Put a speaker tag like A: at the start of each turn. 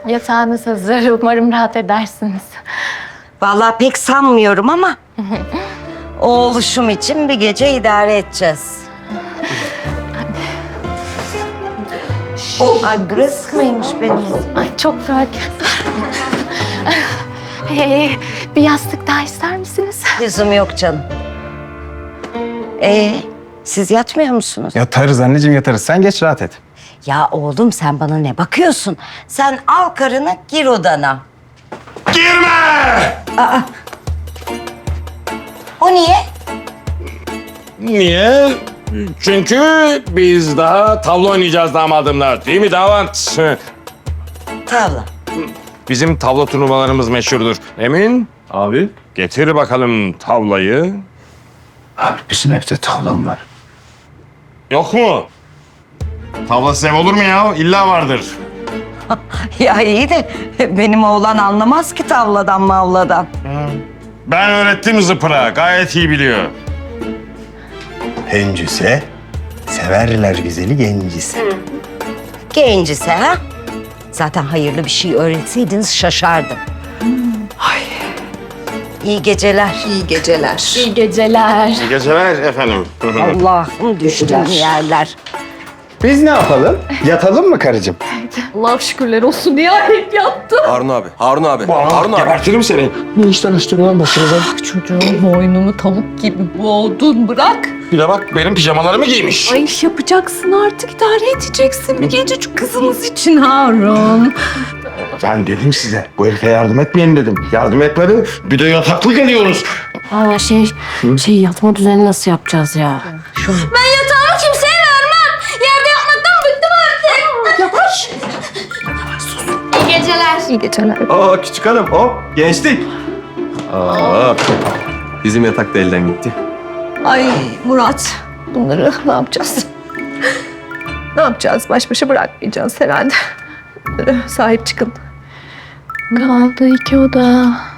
A: Yatağınız hazır. Umarım rahat edersiniz.
B: Vallahi pek sanmıyorum ama oğluşum için bir gece idare edeceğiz. Ay burası mıymış benim?
A: Ay çok rahat. Bir yastık daha ister misiniz?
B: Lüzum yok canım. Siz yatmıyor musunuz?
C: Yatarız anneciğim yatarız. Sen geç rahat et.
B: Ya oğlum sen bana ne bakıyorsun? Sen al karını gir odana.
D: Girme!
B: O niye?
D: Niye? Çünkü biz daha tavla oynayacağız damadımla. Değil mi damat?
B: Tavla.
D: Bizim tavla turnuvalarımız meşhurdur. Emin?
C: Abi.
D: Getir bakalım tavlayı.
C: Abi bizim evde tavlam var.
D: Yok mu? Tavlasız ev olur mu ya? İlla vardır.
B: Ya iyi de benim oğlan anlamaz ki tavladan mavladan.
D: Ben öğrettim zıpıra. Gayet iyi biliyor.
C: Hencise, severler güzeli gencise.
B: Gencise ha? Zaten hayırlı bir şey öğretseydiniz şaşardım. İyi geceler.
E: İyi geceler.
A: İyi geceler.
D: İyi geceler efendim.
B: Allah'ım düştüğüm yerler.
C: Biz ne yapalım? Yatalım mı karıcığım?
E: Allah şükürler olsun nihayet yattım.
F: Harun abi, Harun abi, Harun abi.
D: Gebertirim seni.
C: Ne işten açtın lan başınıza?
E: Çocuğun boynumu tavuk gibi boğdun bırak.
D: Bir de bak benim pijamalarımı giymiş.
E: Ay iş yapacaksın artık idare edeceksin bir gececik kızımız için Harun.
D: Ben dedim size bu herife yardım etmeyin dedim. Yardım etmedi. Bir de yataklık ediyoruz.
G: Aa şey yatma düzeni nasıl yapacağız ya?
H: Ben yatağımı kimseye vermem. Yerde yatmaktan bıktım artık. Yavaş. İyi geceler.
E: İyi geceler.
F: Aa küçük hanım, hop gençlik. Aa, bizim yatak da elden gitti.
E: Ay Murat bunları ne yapacağız? Ne yapacağız? Baş başa bırakmayacağız herhalde. Bunlara sahip çıkın.
A: Kaldı 2 oda.